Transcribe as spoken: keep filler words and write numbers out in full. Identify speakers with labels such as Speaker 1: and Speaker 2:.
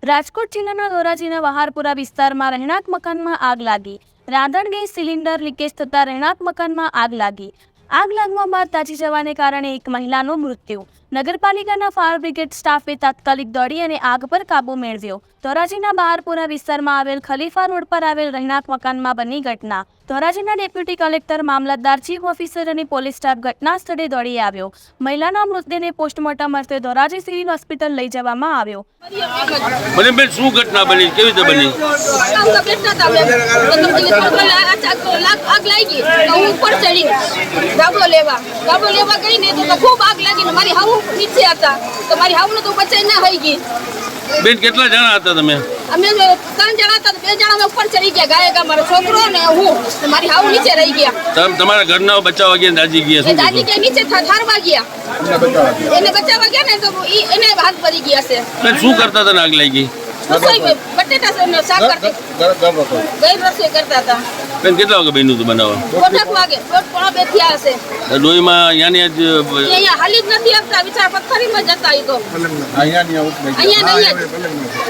Speaker 1: રાજકોટ જિલ્લાના ધોરાજીના વહારપુરા વિસ્તારમાં રહેણાંક મકાનમાં આગ લાગી। રાંધણ ગેસ સિલિન્ડર લીકેજ થતાં રહેણાંક મકાનમાં આગ લાગી। આગ લાગવા બાદ તાજી જવાને કારણે એક મહિલાનું મૃત્યુ। નગરપાલિકાના ફાયર બ્રિગેડ સ્ટાફે તાત્કાલિક દોડી અને આગ પર કાબૂ મેળવ્યો। ધોરાજીના બહારપુરા વિસ્તારમાં આવેલ ખલીફા રોડ પર આવેલ રહેણાંક મકાનમાં બની ઘટના। ધોરાજીના ડેપ્યુટી કલેક્ટર, મામલતદાર, ચીફ ઓફિસર અને પોલીસ સ્ટાફ ઘટના સ્થળે દોડી આવ્યો। મહિલાના મૃતદેહને પોસ્ટમોર્ટમ અર્થે ધોરાજી સિવિલ હોસ્પિટલ લઈ જવામાં આવ્યો।
Speaker 2: મને બેન શું ઘટના બની, કેવી રીતે બની?
Speaker 3: આગ લાગી તો હું ઉપર ચડી ગાબલો લેવા ગાબલો લેવા ગઈ ને તો ખૂબ આગ લાગી ને મારી હાવ નીચે હતા તો મારી હાવ ને તો બચાઈ ના થઈ ગઈ।
Speaker 2: બેન કેટલા જણા હતા તમે?
Speaker 3: અમે ત્રણ જણા હતા, બે જણા અમે ઉપર ચડી ગયા, ગાયકા મારો છોકરો ને હું, મારી હાવ નીચે રહી ગયા।
Speaker 2: તમે તમારા ઘરના બચાવવા ગયા, દાજી ગયા? શું
Speaker 3: દાદી કે નીચે ઠારવા ગયા, એને બચાવવા ગયા ને તો એને હાથ પડી ગયા છે।
Speaker 2: બેન શું કરતા હતા ને આગ લાગી?
Speaker 3: રસોઈ બટેટા શાક કરતી, ગઈ રસોઈ કરતા હતા।
Speaker 2: બેન કેટલા વાગે બન્યું હતું બનાવવા?
Speaker 3: દોઢ વાગે, દોઢ પોણા બે થયા હશે।
Speaker 2: ડોહીમાં અહીંયા જ
Speaker 3: અહીંયા હાલી જ નથી આપતા, વિચાર પથ્થરીમાં જતા. એ તો અહીંયા અહીંયા